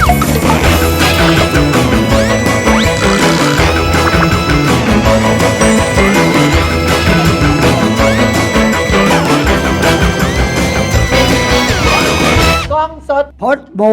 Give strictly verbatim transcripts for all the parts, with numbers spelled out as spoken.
กล้องสดพดบู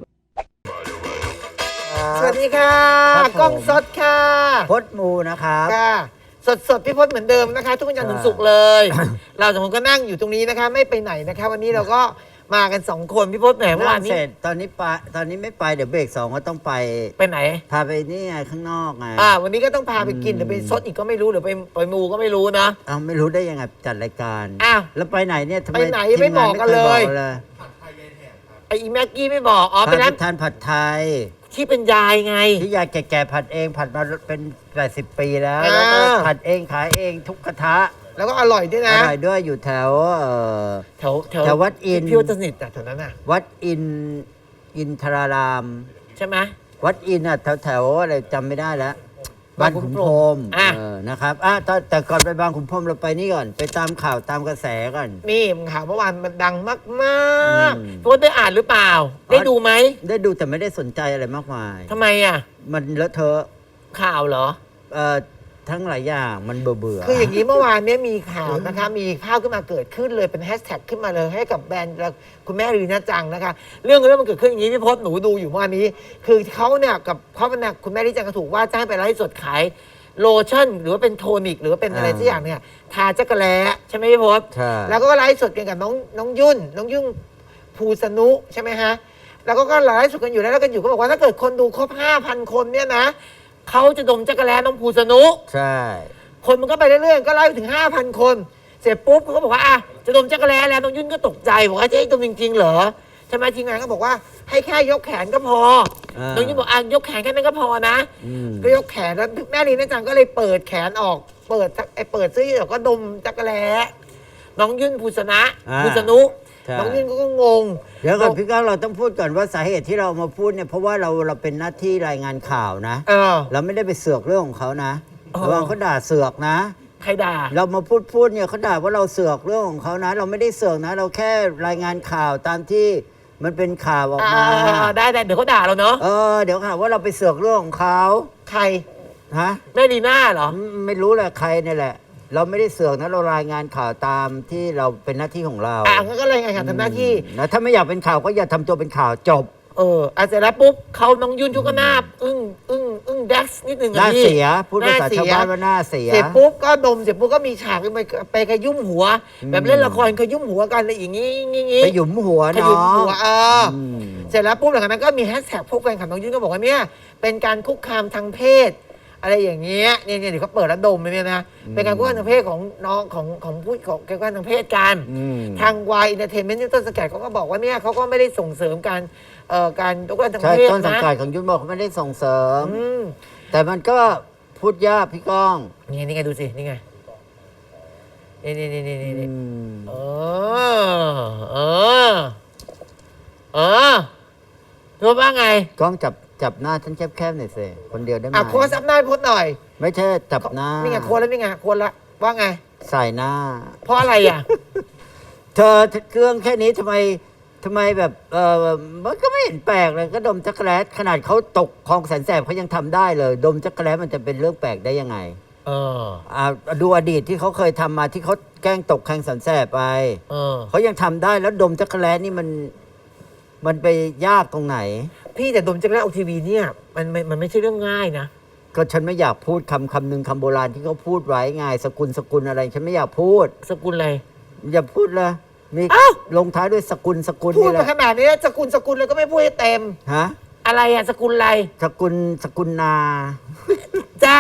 สวัสดีค่ะกล้องสดค่ะพดบูนะครับค่ะสดสดพี่พจน์เหมือนเดิมนะคะทุกวันจันทร์ถึงศุกร์เลย เราสองคนก็นั่งอยู่ตรงนี้นะคะไม่ไปไหนนะคะวันนี้เราก็มากันสองคนพี่พจน์แหมเมื่อวานนี้เสร็จตอนนี้ไปตอนนี้ไม่ไปเดี๋ยวเบรกสองก็ต้องไปไปไหนพาไปนี่ไงข้างนอกไงอ่าวันนี้ก็ต้องพาไปกินหรือไปซดอีกก็ไม่รู้หรือไปไปมูก็ไม่รู้นะอ้าวไม่รู้ได้ยังไงจัดรายการอ้าวแล้วไปไหนเนี่ยทำไมไปไหนไม่บอกกันเลยไอ้อีแม็กกี้ไม่บอกอ๋อไปร้านทานผัดไทยที่เป็นยายไงที่ยายแก่ๆผัดเองผัดมาเป็นแปดสิบปีแล้วแล้วก็ผัดเองขายเองทุกกระทะแล้วก็อร่อยด้วยนะอร่อยด้วยอยู่แถวแถวแถววัดอินพี่วัดสนิทแถวนั้นน่ะวัดอินอินทรารามใช่ไหมวัดอินอ่ะแถวแถวอะไรจำไม่ได้แล้วบางขุนพรหมนะครับอ่ะแต่ก่อนไปบางขุนพรหมเราไปนี่ก่อนไปตามข่าวตามกระแสก่อนนี่ข่าวเมื่อวานมันดังมากๆพี่วัดได้อ่านหรือเปล่าได้ดูไหมได้ดูแต่ไม่ได้สนใจอะไรมากมายทำไมอ่ะมันเลอะเทอะข่าวเหรอเอ่อทั้งหลายอย่างมันเบื่อเบื่อคืออย่างนี้เมื่อวานนี้มีข่าวนะคะมีภาพขึ้นมาเกิดขึ้นเลยเป็นแฮชแท็กขึ้นมาเลยให้กับแบรนด์คุณแม่รีน่าจังนะคะเรื่องเรื่องมันเกิดขึ้นอย่างนี้พี่พจน์หนูดูอยู่เมื่อวานนี้คือเขาเนี่ยกับเขาเป็นคุณแม่รีน่าจังก็ถูกว่าจ้างไปไลฟ์สดขายโลชั่นหรือว่าเป็นโทนิกหรือว่าเป็นอะไรสักอย่างเนี่ยทาจักรแล้ใช่ไหมพี่พจน์แล้วก็ไลฟ์สดกันกับน้องน้องยุ่นน้องยุ่งภูสนุใช่ไหมฮะแล้วก็ก็ไลฟ์สดกันอยู่แล้วแล้วกันอยู่ก็บอกว่าถ้าเกิดคนดูครบ ห้าพัน คนเนี่ยนะเขาจะดมจักรแล้น้องภูสนุใช่คนมันก็ไปเรื่อยๆก็ไล่ไปถึง ห้าพัน คนเสร็จปุ๊บเขาก็บอกว่าอ่ะจะดมจักรแล้แล้วน้องยุ่นก็ตกใจบอกว่าจะให้ดมจริงๆเหรอใช่ไหมทีมงานก็บอกว่าให้แค่ยกแขนก็พอน้องยุ่นบอกอ่ะยกแขนแค่นั้นก็พอนะก็ยกแขนแล้วแม่ลีน่าจังก็เลยเปิดแขนออกเปิดไอ้เปิดเสื้อแล้วก็ดมจักรแล้น้องยุ่นภูสนะภูสนุน้องยุ่นก็งงเดี๋ยวก่อนพี่ก้าวเราต้องพูดก่อนว่าสาเหตุที่เรามาพูดเนี่ยเพราะว่าเราเราเป็นหน้าที่รายงานข่าวนะเราไม่ได้ไปเสือกเรื่องของเขานะระวังเขาด่าเสือกนะใครด่าเรามาพูดพูดเนี่ยเขาด่าว่าเราเสือกเรื่องของเขานะเราไม่ได้เสือกนะเราแค่รายงานข่าวตามที่มันเป็นข่าวออกมาได้ได้เดี๋ยวเขาด่าเราเนาะเออเดี๋ยวค่ะว่าเราไปเสือกเรื่องของเขาใครฮะแม่ดีน่าเหรอไม่รู้แหละใครนี่แหละเราไม่ได้เสือกนะเรารายงานข่าวตามที่เราเป็นหน้าที่ของเราอ่ะงั้นก็รายงานข่าวทำหน้าที่นะถ้าไม่อยากเป็นข่าวก็อย่าทำตัวเป็นข่าวจบเอออาเสร็จแล้วปุ๊บเขาน้องยุ่นชุกก็หน้าอึ้งอึ้งอึ้งแดกนิดนึงหน้าเสียพูดภาษาชาวบ้านว่าหน้าเสียเสร็จปุ๊บก็ดมเสร็จปุ๊บก็มีฉากไปไปขยุ่มหัวแบบเล่นละครขยุ่มหัวกันอะไรอย่างงี้งี้ไปหยุมหัวเนาะขยุ่มหัวเออเสร็จแล้วปุ๊บหลังจากนั้นก็มีแฮชแท็กพวกแฟนคลับน้องยุ่นก็บอกว่าเนี่ยเป็นการคุกคามทางเพศอะไรอย่างเงี้ยเนี่ยเนี่ยเดี๋ยวเขาเปิดแล้วดมเลยเนี่ยนะเป็นการคุกคามทางเพศของน้องของของผู้ของการคุกคามทางเพศกันทางวายอินเตอร์เทนเมนต์ต้นสังกัดเขาก็บอกว่าเนี่ยเขาก็ไม่ได้ส่งเสริมการเอ่อการคุกคามทางเพศนะต้นสังกัดของยุ่นบอกเขาไม่ได้ส่งเสริมแต่มันก็พูดยากพี่ก้องนี่นี่ไงดูสินี่ไงนี่นี่นี่นี่นี่เออเออเออรู้ว่าไงก้องจับจับหน้าฉันแคบๆหน่อยสิคนเดียวได้ไหมอ่ะโค้ดซับหน้าโค้ดหน่อยไม่ใช่จับหน้านี่ไงโค้ดแล้วนี่ไงโค้ดละว่าไงใส่หน้าเพราะอะไรอ่ะเธอเครื่องแค่นี้ทำไมทำไมแบบเออมันก็ไม่เห็นแปลกเลยก็ดมจักรแล้ขนาดเขาตกคลองแสนแสบเขายังทำได้เลยดมจักรแล้มันจะเป็นเรื่องแปลกได้ยังไงเอออ่าดูอดีตที่เขาเคยทำมาที่เขาแกล้งตกคลองแสนแสบไปเออเขายังทำได้แล้วดมจักรแล้นี่มันมันไปยากตรงไหนพี่แต่ดมจักรแล้ออกทีวีเนี่ยมันมันไม่ใช่เรื่องง่ายนะก็ฉันไม่อยากพูดคำคำหนึ่งคำโบราณที่เขาพูดไว้ไงสกุลสกุลอะไรฉันไม่อยากพูดสกุลอะไรอย่าพูดเลยมีลงท้ายด้วยสกุลสกุลพูดมาขนาดนี้สกุลสกุลเลยก็ไม่พูดให้เต็มฮะอะไรอะสกุลอะไรสกุลสกุลนาจ้า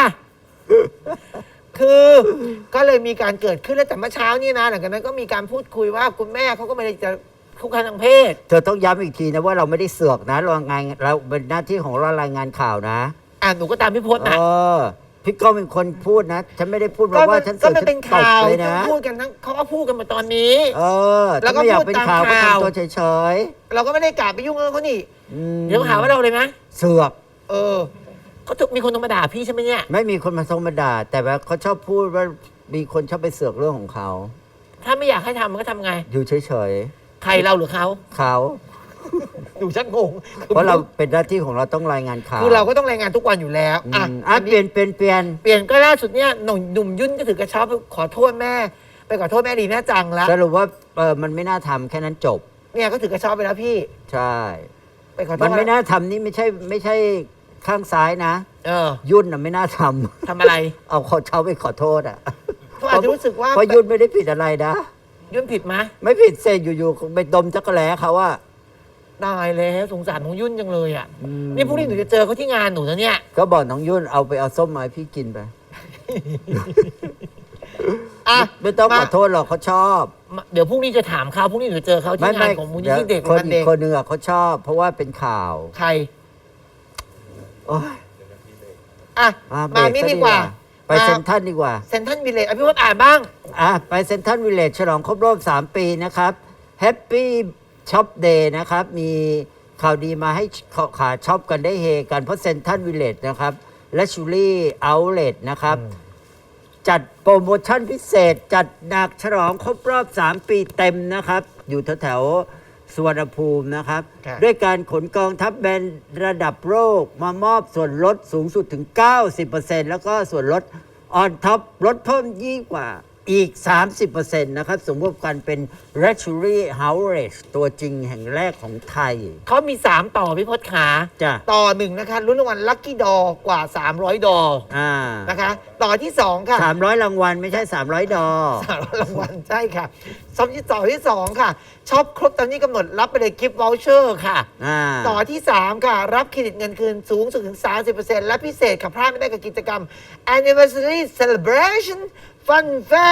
คือก็เลยมีการเกิดขึ้นแล้วแต่เมื่อเช้านี่นะหลังจากนั้นก็มีการพูดคุยว่าคุณแม่เขาก็ไม่ได้จะคุกคามทางเพศเธอต้องย้ำอีกทีนะว่าเราไม่ได้เสือกนะเรางานเราเป็นหน้าที่ของเรารายงานข่าวนะอ่าหนูก็ตามพี่พจน์นะเออพี่ก็เป็นคนพูดนะฉันไม่ได้พูดว่าฉันเสือกก็เป็นข่าวเลยนะพูดกันทั้งเขาก็พูดกันมาตอนนี้เออแล้วก็อยากเป็นข่าวก็ทำตัวเฉยๆเราก็ไม่ได้กล่าวไปยุ่งเรื่องเขานี่เดี๋ยวหาว่าเราเลยไหมเสือกเออเขาถูกมีคนธรรมดาพี่ใช่ไหมเนี่ยไม่มีคนมาธรรมดาแต่ว่าเขาชอบพูดว่ามีคนชอบไปเสือกเรื่องของเขาถ้าไม่อยากให้ทำมันก็ทำไงอยู่เฉยๆใครเราหรือเขาเขาหนูชักงงเพราะเราเป็นหน้าที่ของเราต้องรายงานข่าวคือเราก็ต้องรายงานทุกวันอยู่แล้วอือ่ะมอ่ะอันเปลี่นี้ยนเปลี่ยนเปลี่ยนเปลี่ยนก็ล่าสุดเนี่ยหนุ่มหนุ่มยุ่นก็ถือกระเช้าไปขอโทษแม่ ไปขอโทษแม่ดีแม่จังแล้วสรุปว่าเออมันไม่น่าทำแค่นั้นจบเนี่ยก็ถือกระเช้าไปแล้วพี่ใช่ไปขอโทษมันไม่น่าทำนี่ไม่ใช่ไม่ใช่ข้างซ้ายนะเออยุ่นน่ะไม่น่าทำทำอะไรเอาขอเช้าไปขอโทษอ่ะเขาอาจจะรู้สึกว่าเพราะยุ่นไม่ได้ผิดอะไรนะยุ่นผิดไหมไม่ผิดเสร็จอยู่ๆไปดมจักรแล้เขาว่าตายแล้วสงสารของยุ่นจังเลยอ่ะอืมนี่พรุ่งนี้หนูจะเจอเขาที่งานหนูนะเนี่ยก็บอกน้องยุ่นเอาไปเอาส้มมาให้พี่กินไปอ่ะไม่ต้องมาขอโทษหรอกเขาชอบมาเดี๋ยวพรุ่งนี้จะถามเขาพรุ่งนี้หนูจะเจอเขาที่งานของมูลนิธิเด็กคนและอีเด็กกคนหนึ่งอ่ะเขาชอบ เพราะว่าเป็นข่าวใครโอ้ยอ่ะอ่ะเบรมาก นี่ซะดีกว่าไปเซ็นทรัลดีกว่าเซนทันวิลเลจอภิวัตอ่านบ้างอ่ะไปเซ็นทรัลวิลเลจฉลองครบรอบ สาม ปีนะครับแฮปปี้ช็อปเดย์นะครับ มีข่าวดีมาให้ขาช็อปกันได้เฮกันเพราะเซ็นทรัลวิลเลจนะครับและชูรี่เอาท์เลทนะครับ จัดโปรโมชั่นพิเศษ จัดหนักฉลองครบรอบ สาม ปีเต็มนะครับ อยู่แถวๆสุวรรณภูมินะครับครับด้วยการขนกองทัพแบรนด์ระดับโลกมามอบส่วนลดสูงสุดถึง เก้าสิบเปอร์เซ็นต์ แล้วก็ส่วนลดออนท็อปลดเพิ่มยิ่งกว่าอีก สามสิบเปอร์เซ็นต์ นะครับ สมมติกันเป็น Luxury House ตัวจริงแห่งแรกของไทยเขามี สาม ต่อพี่พศขาจ้ะต่อหนึ่งนะคะรุ่นรางวัลลัคกี้ดอกว่า สามร้อย ดออ่านะคะ ต่อที่สองค่ะสามร้อยรางวัลไม่ใช่ สามร้อย ดอสามร้อยรางวัลใช่ค่ะซับที่ต่อที่สองค่ะช็อปครบตามที่กำหนดรับไปเลยกิฟต์วอลเชอร์ค่ะอ่าต่อที่ สาม ค่ะ รับเครดิตเงินคืนสูงสุดถึง สามสิบเปอร์เซ็นต์ และพิเศษค่ะพลาดไม่ได้กับกิจกรรม Anniversary Celebration Fun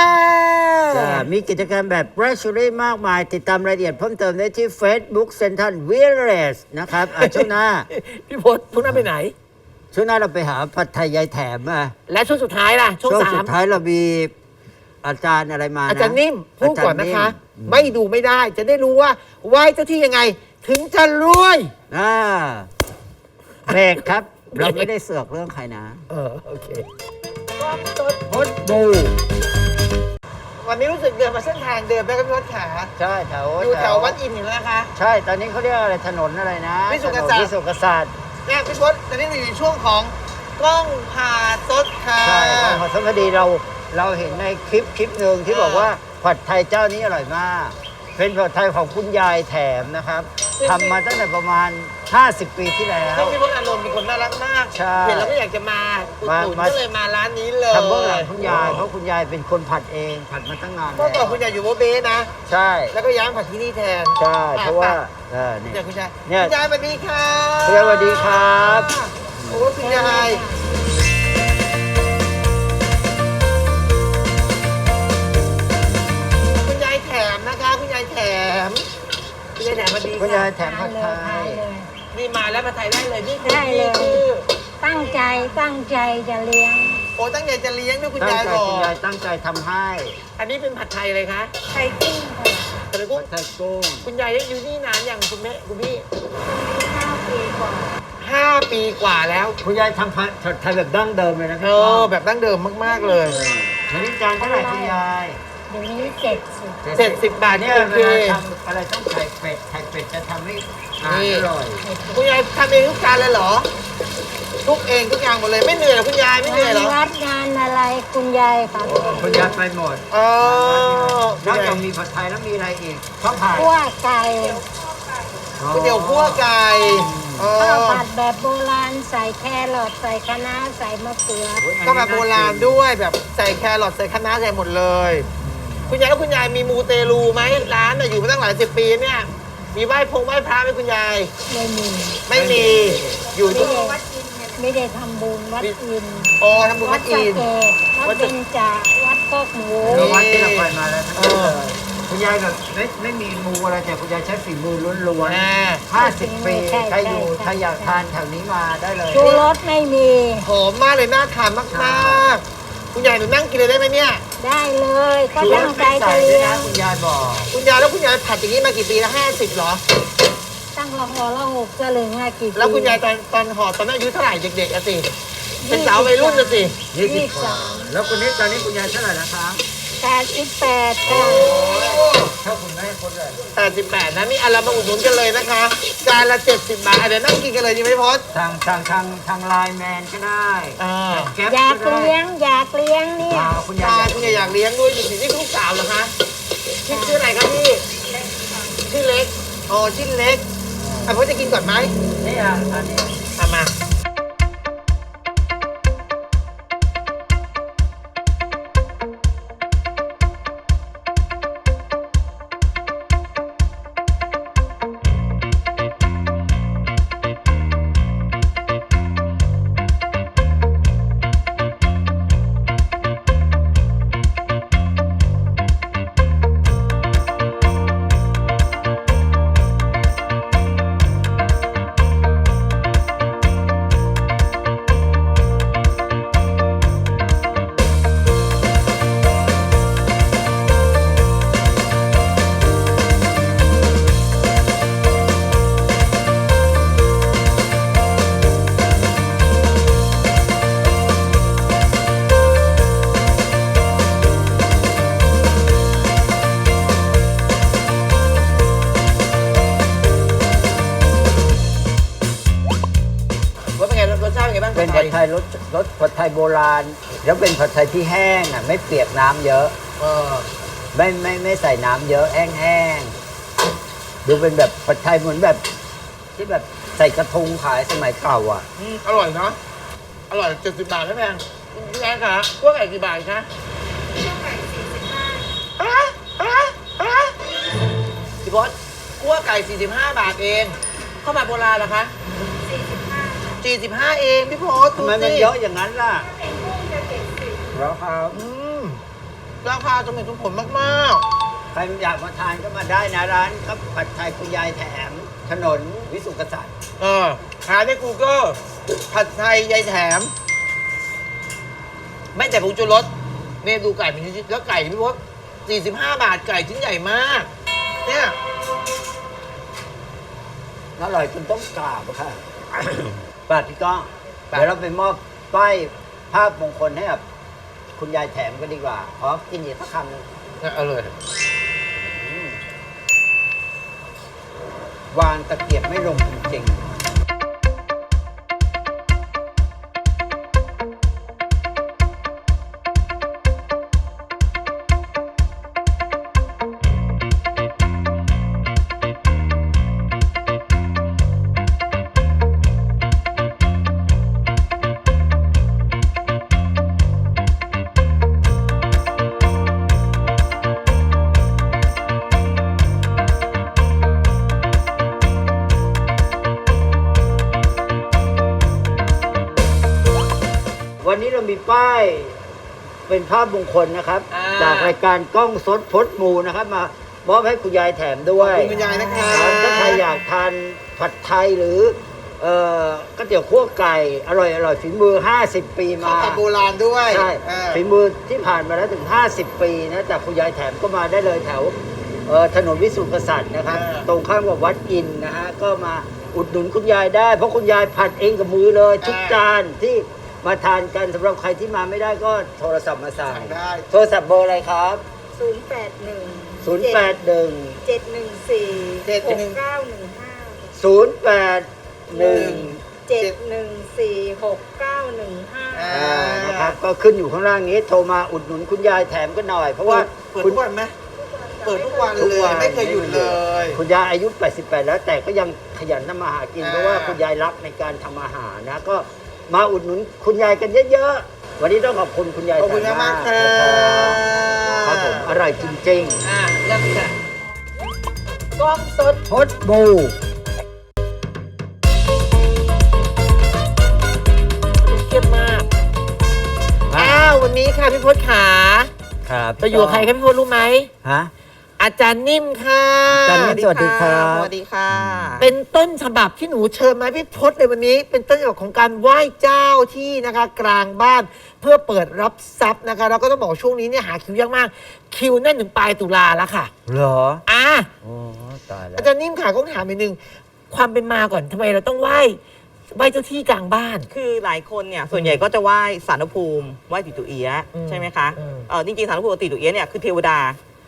Fair จ้ะมีกิจกรรมแบบ Luxury มากมาย ติดตามรายละเอียดเพิ่มเติมได้ที่ Facebook Central Village นะครับอ่ะช่วงหน้าพี่พศพวกนั้นไปไหนช่วงหน้าเราไปหาผัดไทยยายแถมมาและช่วงสุดท้ายล่ะ ช่วงช่วงสาสุมดท้ายเรามีอาจารย์อะไรมานะอาจารย์นิ่มพูดก่อนนะคะอาจารย์นิ่มไม่ดูไม่ได้จะได้รู้ว่าไหว้เจ้าที่ยังไง ถึงจะรวยอ่าเบรกครับ เราไม่ได้เสือกเรื่องใครนะเออ โอเคพดบูวันนี้รู้สึกเดินมาเส้นทางเดิมไปกับพี่พศขาใช่แถวอยู่แถววัดอินทร์อยู่แล้วนะคะใช่ ตอนนี้เขาเรียกอะไรถนนอะไรนะวิสุทธิกษัตริย์ถนนวิสุทธิกษัตริย์เนี่ยพี่พศตอนนี้เราอยู่ในช่วงของกล้องผ่าซดค่ะใช่ครับพอดีเราเราเห็นในคลิปคลิปหนึ่งที่อ่าบอกว่าผัดไทยเจ้านี้อร่อยมาก เป็นผัดไทยของคุณยายแถมนะครับทำมาตั้งแต่ประมาณ ห้าสิบ ปีที่แล้วซึ่งพี่พศอานนท์เป็นคนน่ารักมากใช่เห็นแล้วก็อยากจะมาอุดหนุนมาก็เลยมาร้านนี้เลยทำเบื้องหลังคุณยาย เพราะคุณยายเป็นคนผัดเองผัดมาตั้งนานเมื่อก่อนคุณแล้วยายอยู่โบเบ้นะใช่แล้วก็ย้ายมาผัดที่นี่แทนใช่อ่เพราะว่าไปเออนี่เดี๋ยวคุณยายเนี่ยคุณยายสวัสดีค่ะคุณยายสวัสดีครับโอ้คุณยายคุณยายแถมนะคะ คุณยายแถมคุณยายแถมสวัสดีคุณยาค่ะยแถมผัดไททานยเลยนี่มาแล้วผัดไทยได้เลยนี่คือได้เลยนี่คือตั้งใจตั้งใจจะเลี้ยงโอ้ตั้งใจจะเลี้ยงด้วยคุณตั้งยายใจบอคุณกยายตั้งใจทำให้อันนี้เป็นผัดไทยเลยคะไข่กุ้งค่ะแต่กุ้งผัดไทยกุ้งคุณยายอยู่นี่นานอย่างคุณแม่คุณพี่ห้าปีกว่าห้าปีกว่าแล้วคุณยายทำผัดไทยแบบดั้งเดิมเลยนะคเอรัอแบบดั้งเดิมมาก ๆ เลยอันนี้จานเท่าไหร่คุณยายเดี๋ยวนี้เจ็ดสิบเจ็ดสิบบาทเนี่นี่ยโอเวเคลาทำอะไรต้องไข่เป็ดไข่เป็ดจะทำให้อาหารนี่อร่อยคุณยายทำเองทุกจานเลยเหรอ ทุกเองทุกอย่างหมดเลยไม่เหนื่อยเหรอคุณยายไม่เหนื่อยเหรองานวัดงานอะไรคุณยายครับคุณยายไปหมดเออนอกจากมีผัดไทยแล้วมีอะไรอีกข้าวผัดคั่วไก่ก๋วยเตี๋ยวคั่วไก่เอข้าวอผัดแบบโบราณใส่แครอทใส่คะน้าใส่มะเขือก็แบบโบราณด้วยแบบใส่แครอทใส่คะน้าใส่หมดเลย คุณยายแล้วคุณยายมีมูเตลูไหมร้านน่ะอยู่มาตั้งหลายสิบปีเนี่ยมีไหว้พงไหว้พระไหมคุณยายไม่มีไม่มีอยู่ไม่ที่ได้ไม่ได้ทำบุญวัดอินทร์อ๋อทำบุญวัวัดดสะอินเกดวัดเบญจาวัดโคกหมูเออวัดที่เราไปมาแล้วทั้งนั้นเออเลยคุณยายแบบไม่ไม่มีมูอะไรแต่คุณยายใช้ฝีมือล้วนแม่ๆห้าสิบปีใครอยู่ใครอยากทานแถวนี้มาได้เลยชูรสไม่มีหอมมากเลยน่าทานมากๆ คุณยายหนูนั่งกินเลยได้ไหมเนี่ยได้เลยก็ชูรตั้สงใจไม่ใส่จะด้วยเลี้ยนะงคุณยายบอกคุณยายแล้วคุณยายผัดอย่างนี้มากี่ปีแล้วห้าสิบเหรอตั้งละหอละหกสลึงอะกี่ปีแล้วคุณยายตอนตอนห่อตอนนั้นอายุเท่าไหร่เด็กๆอะสิ เป็นสาววัยรุ่นอะสิยี่สิบกว่าแล้วคนนี้ตอนนี้คุณยายเท่าไหร่แล้วครับแปดสิบแปดค่ะทชอบคุณแม่คนเลยแปดสิบแปดนะนี่อันละมาอุดหนุนกันเลยนะคะจานละเจ็ดสิบบาทอ่ะเดี๋ยวนั่งกินกันเลยดีไหมพศทางทางทางทางไลน์แมนก็ได้อ่าแก๊ปอยากก็ได้เลี้ยงอยากเลี้ยงเนี่ยอ่าคุณยายตาอยากคุณอยากเลี้ยงด้วยอยู่ที่นี่ลูกสาวเหรอคะชื่อชื่ออะไรครับพี่ชื่อเล็กอ๋อชื่อเล็กอ่ะพศจะกินก่อนไหมนี่อ่ะอันนี้อ่ะมาว่าเป็นไงรสชาติเป็นไงบ้างเป็นผัดไทยรสรสผัดไทยโบราณ แล้วเป็นผัดไทยที่แห้งอ่ะไม่เปียกน้ำเยอะเออไม่ไม่ไม่ใส่น้ำเยอะแห้งๆดูเป็นแบบผัดไทยเหมือนแบบ ที่แบบใส่กระทงขายสมัยเก่าอ่ะอืมอร่อยเนาะอร่อยเจ็ดสิบบาทไม่แพงพี่แอนคะพวกไก่กี่บาทคะพวกไก่สี่สิบห้าอ่ะอ่ะอ่ะพี่พศคั่วไก่สี่สิบห้าบาทเองข้าวผัดโบราณเหรอคะสี่สิบห้าเองพี่พศทำไมมันเยอะอย่างนั้นล่ะแล้วครับอืมราคาสมเหตุสมผลมากใครอยากมาทานก็มาได้นะร้านครับผัดไทยคุณยายแถม ถนนวิสุทธิกษัตริย์ๆเออหาใน Google ผัดไทยยายแถม ไม่แต่ผงชูรสเนี่ยดูไก่เป็นชิ้นๆแล้วไก่พี่พศสี่สิบห้าบาทไก่ชิ้นใหญ่มาก เนี่ยอร่อยจนต้องกราบอะค่ะ ป้าพี่ก้องเดี๋ยวเราไปมอบป้ายภาพมงคลให้กับคุณยายแถมกันดีกว่า ขอกินอีกสักคำหนึงเอาเลยอืมวางตะเกียบไม่ลงจริงๆ วันนี้เรามีป้ายเป็นภาพมงคลนะครับอ่าจากรายการกล้องสดพดหมูนะครับ มามอบให้คุณยายแถมด้วยขอบคุณคุณยายนะคะครับถ้าใครอยากทานผัดไทยหรือเอ่อก๋วยเตี๋ยวคั่วไก่ อร่อยอร่อยฝีมือ ห้าสิบ ปีข้าวมาผัดโบราณด้วยใช่เออฝีมือที่ผ่านมาแล้วถึง ห้าสิบ ปีนะจากคุณยายแถมก็มาได้เลยแถวเอ่อถนนวิสุทธิกษัตริย์นะครับ ตรงข้ามกับวัดอินทร์นะฮะก็มาอุดหนุนคุณยายได้ เพราะคุณยายผัดเองกับมือเลย ทุกจานที่มาทานกันสำหรับใครที่มาไม่ได้ก็โทรศัพท์มาสั่งสั่งได้โทรศัพท์เบอร์อะไรครับศูนย์แปดหนึ่งศูนย์แปดหนึ่งเจ็ดหนึ่งสี่เจ็ดหหนึ่กงเก้าหนึ่งห้าศูนย์แปดหนึ่งเจ็ดหนึ่งสี่หกเก้าหนึ่งห้าอ่าอ่านะครับก็ขึ้นอยู่ข้างล่างนี้ โทรมาอุดหนุนคุณยายแถมกันหน่อย เพราะว่าเปิดคุทุณกวันไหมเปิดทุกวันทุกเลวัยนไม่เคยหยุดเลยคุณยายอายุ แปดสิบแปด แล้วแต่ก็ยังขยันทำมาหากินอ่าเพราะว่าคุณยายรักในการทำอาหารนะ ก็มาอุดหนุนคุณยายกันเยอะๆ วันนี้ต้องขอบคุณคุณยายขอบคุณแถมากๆค่ะครับผมอร่อยจริงอ่าเริ่มค่ะกล้องสดๆพดบูเข้มมาก อ้าววันนี้ค่ะพี่พศขาครับจะอยู่กับใครครับพี่พศรู้ไหมฮะอาจารย์นิ่มค่ะอาจารย์นิ่ม สวัสดีครับสวัสดีค่ะเป็นต้นฉบับที่หนูเชิญมาให้พี่พศเลยวันนี้ เป็นต้นฉบับของการไหว้เจ้าที่นะคะ กลางบ้านเพื่อเปิดรับทรัพย์นะคะเราก็ต้องบอกช่วงนี้เนี่ยหาคิวยากมาก คิวแน่นถึงปลายตุลาแล้วค่ะเหรออ่ะโอ้ตายแล้วอาจารย์นิ่มค่ะก็ถามอีกนึงความเป็นมาก่อนทำไมเราต้องไหว้ไหว้เจ้าที่กลางบ้านคือหลายคนเนี่ยส่วนใหญ่ก็จะไหว้สารภูมิไหว้ติตุเอียะอืมใช่ไหมคะอืมเออจริงๆสารภูมิกับติตุเอียะเนี่ยคือเทวดา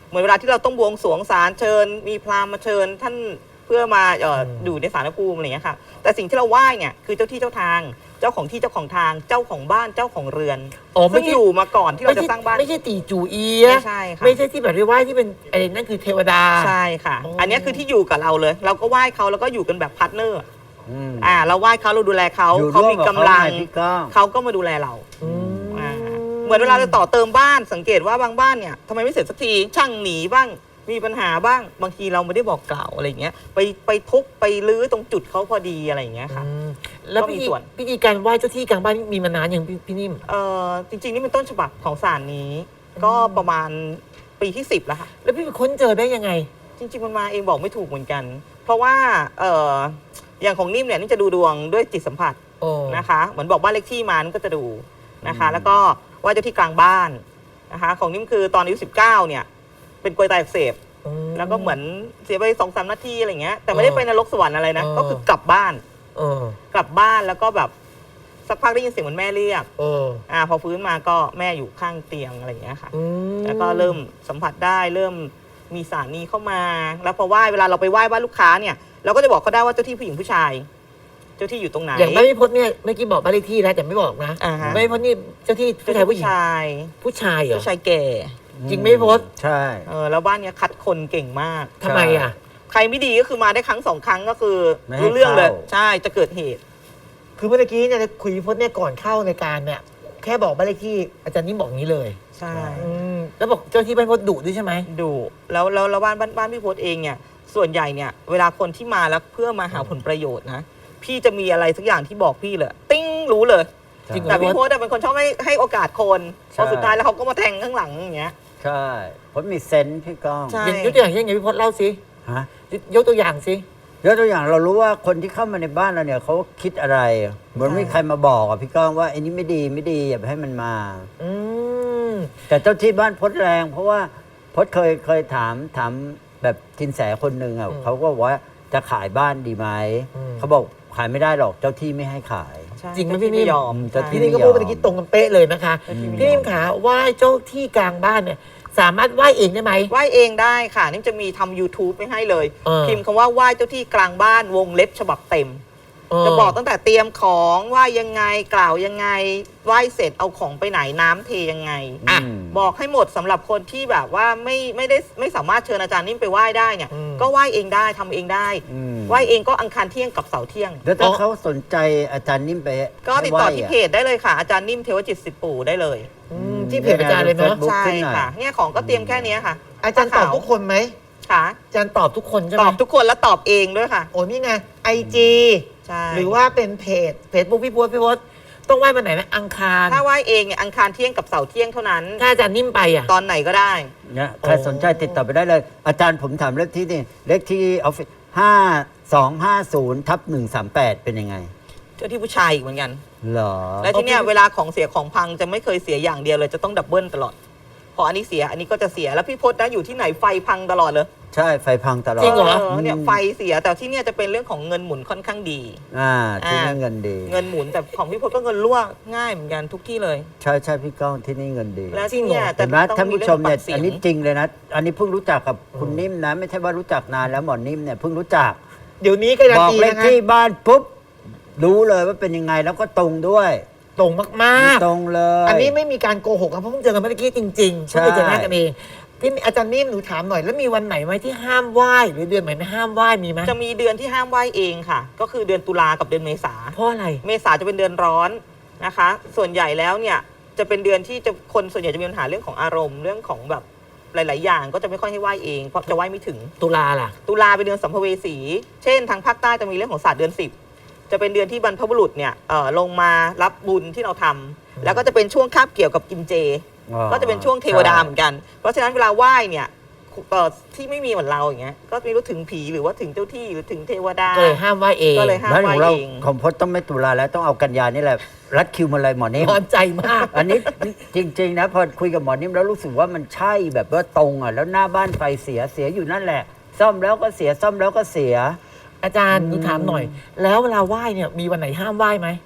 เหมือนเวลาที่เราต้องบวงสรวงศาลเชิญ มีพราหมณ์มาเชิญท่านเพื่อมาเอ่ออยู่ในศาลภูมิอะไรอย่างเงี้ยค่ะแต่สิ่งที่เราไหว้เนี่ยคือเจ้าที่เจ้าทางเจ้าของที่เจ้าของทางเจ้าของบ้านเจ้าของเรือนอ๋อไม่ซึ่งใช่อยู่มาก่อนที่เราจะสร้างบ้านไม่ใช่ตีจูเอียไม่ใช่ค่ะไม่ใช่ที่แบบที่ไหว้ที่เป็นไอ้นั่นคือเทวดาใช่ค่ะอ๋ออัอันเนี้ยคือที่อยู่กับเราเลย เราก็ไหว้เขาแล้วก็อยู่กันแบบพาร์ทเนอร์อืมอ่าเราไหว้เขาเราดูแลเขาอยู่เขาร่วมมีกับกำลังเขาไงพี่ก้องเขาก็มาดูแลเราอืมอ่าเหมือนเวลาเราต่อเติมบ้านสังเกตว่าบางบ้านเนี่ยทำไมไม่เสร็จสักทีช่างหนีบ้างมีปัญหาบ้างบางทีเราไม่ได้บอกกล่าวอะไรอย่างเงี้ยไปไปทุบไปรื้อตรงจุดเขาพอดีอะไรอย่างเงี้ยค่ะอืมแล้วก็มีพิธีส่วนพิธีการไหว้เจ้าที่กลางบ้านมีมานานอย่างพี่พี่นิ่มเอ่อจริงๆนี่เป็นต้นฉบับของศาลนี้ ก็ประมาณปีที่สิบแล้วค่ะแล้วพี่ไปค้นเจอได้ยังไงจริงๆมันมาเองบอกไม่ถูกเหมือนกัน เพราะว่าเอ่ออย่างของนิ่มเนี่ยนี่จะดูดวงด้วยจิตสัมผัสโอ้นะคะเหมือนบอกบ้านเลขที่มานี่ก็จะดูนะคะ แล้วก็ว่าเจ้าที่กลางบ้านนะคะของนิ่มคือตอนอายุสิบเก้าเนี่ยเป็นกลวยไตอักเสบอืมแล้วก็เหมือนเสียไปสองสามนาทีอะไรเงี้ยแต่ไม่ได้เออไปนรกสวรรค์อะไรนะเออก็คือกลับบ้านเออกลับบ้านแล้วก็แบบสักพักได้ยินเสียงเหมือนแม่เรียกเอออ่าพอฟื้นมาก็แม่อยู่ข้างเตียงอะไรอย่างเงี้ยค่ะอืมแล้วก็เริ่มสัมผัสได้เริ่มมีสารนี้เข้ามา แล้วพอไหว้เวลาเราไปไหว้บ้านลูกค้าเนี่ยเราก็จะบอกเขาได้ว่าเจ้าที่ผู้หญิงผู้ชาย เจ้าที่อยู่ตรงไหนอย่างบ้านพี่พจน์เนี่ยเมื่อกี้บอกบ้านเลขที่แล้วแต่ไม่บอกนะอ่าฮะบ้านพี่พจน์นี่เจ้าที่ผู้ชายผู้หญิงชายผู้ชายเหรอผู้ชายแก่จริงไหมพี่พจน์ใช่เออแล้วบ้านเนี้ยคัดคนเก่งมากทำไมอ่ะใครไม่ดีก็คือมาได้ครั้งสองครั้งก็คือไม่ให้รู้เรื่องเลยเข้าใช่จะเกิดเหตุคือเมื่อกี้เนี่ยคุยพี่พจน์เนี่ยก่อนเข้าในการเนี่ยแค่บอกบ้านเลขที่อาจารย์นิ่มบอกงี้เลยใช่อืมแล้วบอกเจ้าที่บ้านพี่พจน์ดุด้วยใช่ไหมดูแล้วแล้วแล้วบ้านบ้านบ้านพี่พศเองเนี่ยส่วนใหญ่เนี่ยเวลาคนที่มาแล้วเพื่อมาหาผลประโยชน์นะพี่จะมีอะไรสักอย่างที่บอกพี่เลยติ้งรู้เลยจริงเหรอแต่พี่พศเป็นคนชอบให้ให้โอกาสคนพใช่อสุดท้ายแล้วเขาก็มาแทงข้างหลังอย่างเงี้ยใช่ผมมีเซนส์พี่ก้องใช่อย่างยกตัวอย่างเช่นไงพี่พจน์เล่าสิฮะยกตัวอย่างสิยกตัวอย่างเรารู้ว่าคนที่เข้ามาในบ้านเราเนี่ยเขาคิดอะไร เหมือนมีใครมาบอกอ่ะพี่ก้องว่าไอ้นี่ไม่ดีไม่ดีอย่าไปให้มันมาอืมแต่เจ้าที่บ้านพดแรง เพราะว่าพดเคยเคยถามถามแบบทินแสคนหนึ่งอ่ะเขาก็บอกว่าจะขายบ้านดีไหมเขาบอกขายไม่ได้หรอกเจ้าที่ไม่ให้ขายใช่จริงไหมเจ้าที่พี่นิ่มไม่ยอมเจ้าที่พี่นิ่มก็พูดเมื่อกี้ตรงกันเป๊ะเลยนะคะเจ้าที่ไม่พี่ยอนิ่มมขาไหว้เจ้าที่กลางบ้านเนี่ย สามารถไหว้เองได้ไหมไหว้เองได้ค่ะนี่จะมีทำ YouTube ไม่ให้เลยเออพิมพ์คำว่าไหว้เจ้าที่กลางบ้านวงเล็บฉบับเต็มเออจะบอกตั้งแต่เตรียมของไหว้ยังไงกล่าวยังไงไหว้เสร็จเอาของไปไหนน้ำเทยังไงอ่ะบอกให้หมดสำหรับคนที่แบบว่าไม่ไม่ได้ไม่สามารถเชิญอาจารย์นิ่มไปไหว้ได้เนี่ยอืมก็ไหว้เองได้ทำเองได้อืมไหว้เองก็อังคารเที่ยงกับเสาร์เที่ยงแล้วถ้าเขาสนใจอาจารย์นิ่มไปก็ติดต่อที่เพให้ไหว้ะจได้เลยค่ะ อาจารย์นิ่มเทวจิตสิบปู่ได้เลยอืมที่เพจอาจารย์เลยเนาะบุ๊กใช่ขึ้นหน่อยค่ะเนี่ยของก็เตรียมแค่เนี้ยค่ะอาจารย์ตอบทุกคนไหมค่ะอาจารย์ตอบทุกคนใช่ไหตมอบทุกคนแล้วตอบเองด้วยค่ะโอ้นี่ไงไอจีใช่หรือว่าเป็นเพจเพจบุ๊กพี่พศพี่พศต้องไหว้วันไหนนะอังคารถ้าไหว้เองเนี่ยอังคารเที่ยงกับเสาร์เที่ยงเท่านั้นถ้าอาจารย์นิ่มไปอ่ะตอนไหนก็ได้เนี่ยใครสนใจติดต่อไปได้เลย อาจารย์ผมถามเลขที่นี่เลขที่ออฟฟิศห้าสองห้าศูนย์ทับหนึ่งสามแปดเป็นยังไงเจ้าที่ผู้ชายอีกเหมือนกันเหรอและที่เนี้ยเวลาของเสียของพังจะไม่เคยเสียอย่างเดียวเลยจะต้องดับเบิลตลอด พออันนี้เสียอันนี้ก็จะเสียแล้วพี่พศนะอยู่ที่ไหนไฟพังตลอดเลยใช่ไฟพังตลอดจริงเหรอเนี่ยไฟเสียแต่ที่เนี่ยจะเป็นเรื่องของเงินหมุนค่อนข้างดีอ่าที่นี่อ่าเงินดีเงินหมุนแต่ของพี่พศก็เงินรั่วง่ายเหมือนกันทุกที่เลยใช่ใช่พี่ก้องที่นี่เงินดีและที่เนี่ยเห็นไหมต้องท่านผู้ชมเนี่ยเรื่องอันนี้ปากจริงเลยนะ อันนี้เพิ่งรู้จักกับคุณนิ่มนะ ไม่ใช่ว่ารู้จักนานแล้วหมอนิ่มเนี่ยเพิ่งรู้จักเดี๋ยวนี้การันบอกตีเลขนะคะที่บ้านปุ๊บรู้เลยว่าเป็นยังไงแล้วก็ตรงด้วยตรงมากตรงเลยๆ อันนี้ไม่มีการโกหกนะเพราะเพิ่งเจอกันเมื่อกี้จริงๆใช่เพิ่งเจอหน้ากันเองพี่อาจารย์นิ่มหนูถามหน่อยแล้วมีวันไหนไหมที่ห้ามไหว้หรือเดือนไหนไม่ห้ามไหว้มีไหมจะมีเดือนที่ห้ามไหว้เองค่ะ ก็คือเดือนตุลากับเดือนเมษาเพราะอะไรเมษาจะเป็นเดือนร้อนนะคะ ส่วนใหญ่แล้วเนี่ยจะเป็นเดือนที่จะคนส่วนใหญ่จะมีปัญหาเรื่องของอารมณ์เรื่องของแบบหลาย ๆ อย่างก็จะไม่ค่อยให้ไหว้เองเพราะจะไหว้ไม่ถึงตุลาล่ะตุลาเป็นเดือนสัมภเวสี เช่นทางภาคใต้จะมีเรื่องของศาสตร์เดือนสิบจะเป็นเดือนที่บรรพบุรุษเนี่ยเอ่อลงมารับบุญที่เราทำแล้วก็จะเป็นช่วงคาบเกี่ยวกับกินเจอ๋อก็จะเป็นช่วงเทวดาเหมือนกัน เพราะฉะนั้นเวลาไหว้เนี่ยเอ่อที่ไม่มีเหมือนเราอย่างเงี้ยก็ไม่รู้ถึงผีหรือว่าถึงเจ้าที่หรือถึงเทวดาก็เลยห้ามไหว้เองก็เลยห้ามแล้วของเราไหว้เองของพจน์ต้องไม่ตุลาแล้วต้องเอากันยานี่แหละ รัดคิวมาเลยหมอนิ่มร้อนใจมากอันนี้จริง ๆ นะ พอคุยกับหมอนิ่มแล้วรู้สึกว่ามันใช่แบบว่าตรงอ่ะแล้วหน้าบ้านไฟเสียเสียอยู่นั่นแหละ ซ่อมแล้วก็เสียซ่อมแล้วก็เสียอาจารย์หนูถามหน่อย แล้วเวลาไหว้เนี่ยมีวันไหนห้ามไหว้ไหม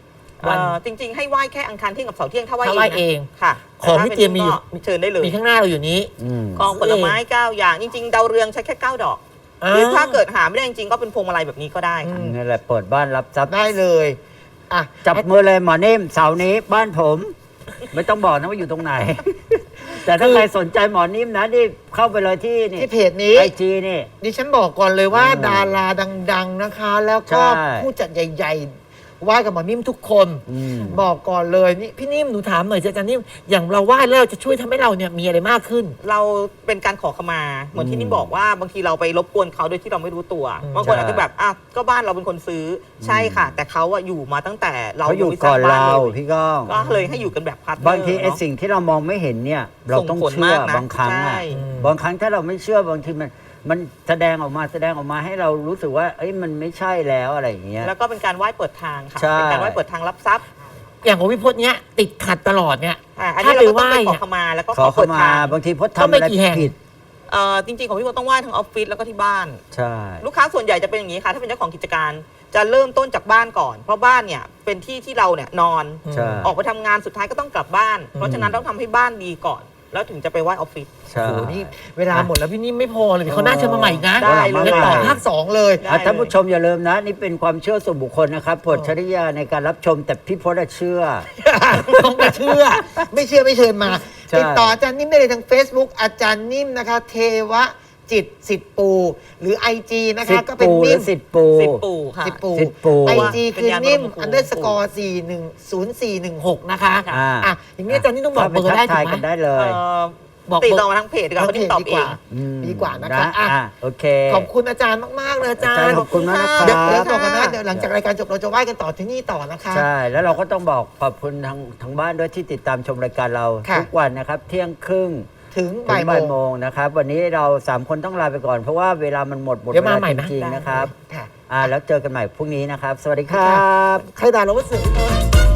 วันเอ่อจริง ๆ ให้ไหว้แค่อังคารเที่ยงกับเสาร์เที่ยงถ้าไหว้ถ้าไหว้เองค่ะของที่เตรียมมีอยู่แต่ถ้าเป็นก็เชิญได้เลยมีข้างหน้าเราอยู่นี้อืมกองผลไม้เก้าอย่างจริง ๆ ดาวเรืองใช้แค่เก้าดอกหรือถ้าเกิดหาไม่ได้จริงๆก็เป็นพวงมาลัยแบบนี้ก็ได้ค่ะนี่แหละเปิดบ้านรับทรัพย์ได้เลยอ่ะจับมือเลยหมอนิ่มเสาร์นี้บ้านผม ไม่ต้องบอกนะว่าอยู่ตรงไหน แต่ถ้าใครสนใจหมอนิ่มนะนี่เข้าไปเลยที่นี่ที่เพจนี้ไอจีนี่ดิฉันบอกก่อนเลยว่าอืมดาราดัง ๆนะคะ แล้วก็ใช่ผู้จัดใหญ่ๆไหว้กับหมอนิ่มทุกคนอืมบอกก่อนเลยนี่พี่นิ่มหนูถามหน่อยสิอาจารย์นิ่มอย่างเราไหว้แล้วเราจะช่วยทำให้เราเนี่ยมีอะไรมากขึ้นเราเป็นการขอขมาเหมือนที่นี่บอกว่าบางทีเราไปรบกวนเขาโดยที่เราไม่รู้ตัวอืมบางคนใช่อาจจะแบบอ่ะก็บ้านเราเป็นคนซื้อใช่ค่ะ แต่เขาอะอยู่มาตั้งแต่เราเขาอยู่งไม่สก่ร้อนงบ้เราลยพี่ก้องก็เลยให้อยู่กันแบบพาร์ทเนอร์บางทีไอ้เนอะสิ่งที่เรามองไม่เห็นเนี่ย เราต้องส่งผลเชื่อมากนะบางครั้งใช่อ่ะบางครั้งถ้าเราไม่เชื่อบางทีมันมันแสดงออกมาแสดงออกมาให้เรารู้สึกว่าเอ้ยมันไม่ใช่แล้วอะไรอย่างเงี้ยแล้วก็เป็นการไหว้เปิดทางค่ะใช่เป็นการไหว้เปิดทางรับทรัพย์อย่างของพี่พจน์เนี้ยติดขัดตลอดเนี่ยอ่ะอันถ้านี้เราไปก็ไหต้องว้ไปขอเนี่ยขมาแล้วก็ขขออเข้าเปิดมาทางบางทีพจน์ก็ทำไม่อะไรกี่แห่งผิดเอ่อจริงๆของพี่โบต้องไหว้ทั้งออฟฟิศแล้วก็ที่บ้านใช่ลูกค้าส่วนใหญ่จะเป็นอย่างนี้ค่ะ ถ้าเป็นเจ้าของกิจการจะเริ่มต้นจากบ้านก่อน เพราะบ้านเนี่ยเป็นที่ที่เราเนี่ยนอนใช่ออกไปทำงานสุดท้ายก็ต้องกลับบ้าน เพราะฉะนั้นต้องทำให้บ้านดีก่อน แล้วถึงจะไปไหว้ออฟฟิศใช่โอ้โหนี่เวลาหมดแล้วพี่นิ่มไม่พอเลยเดี๋ยวเขาน่าเชิญมาใหม่อีกนะได้เลยดี๋วต่อภาคสองเลยได้อ่ะท่านผู้ชมอย่าลืมนะ นี่เป็นความเชื่อส่วนบุคคลนะครับโปรดใช้วิจารณญาณในการรับชมแต่พี่พจน์อะเชื่อต้องไปเชื่อ ไม่เชื่อไม่เชิญมาใช่ติดต่ออาจารย์นิ่มได้เลยทาง Facebook อาจารย์นิ่มนะคะ เทวะจิตสิทธิ์ปู หรือ ไอ จี นะสิคะทธิ์ก็เป็นปูหรืนิ่อมสิทธิ์ปูสิบปู่ค่ะสิทธิ์ปูสิทธิ์ปูไอจีเป็นคือญาณนิ่มบรมครูอันเดอร์สกอร์สี่หนึ่งศูนย์สี่หนึ่งหกนะคะอ่าอ่ะอย่างนี้อาจารย์นี่ต้องบอกเบอร์ข้าได้ปทักถูทายกกันไหมได้เลเอ่ยอบอกติดเบอร์ต่อมาทางเพจดีกว่าเพราะนี่ตอบเองมดีกว่านะคะนะอ่ะอ่ะโอเคขอบคุณอาจารย์มาก ๆ เลยอาจาอาจารรย์ย์ขอบคุณมากนะคเดี๋ยวรัเดี๋ยวบต่อกันนะเดี๋ยวหลังจากรายการจบเราจะไหว้กันต่อที่นี่ต่อนะคะใช่ แล้วเราก็ต้องบอกขอบคุณทางทางบ้านด้วยที่ติดตามชมรายการเราค่ะทุกวันนะครับ เที่ยงครึ่งถึงถึบ่าง ยโมบ่ายงโมงนะครับ วันนี้เราสามคนต้องลาไปก่อนเพราะว่าเวลามันหมดหมดเดี๋ยวเวมาลาใหม่จนะริงๆนะครับค่ะอ่าแล้วเจอกันใหม่พรุ่งนี้นะครับ สวัสดีครับใครด่าเราว่าเสือ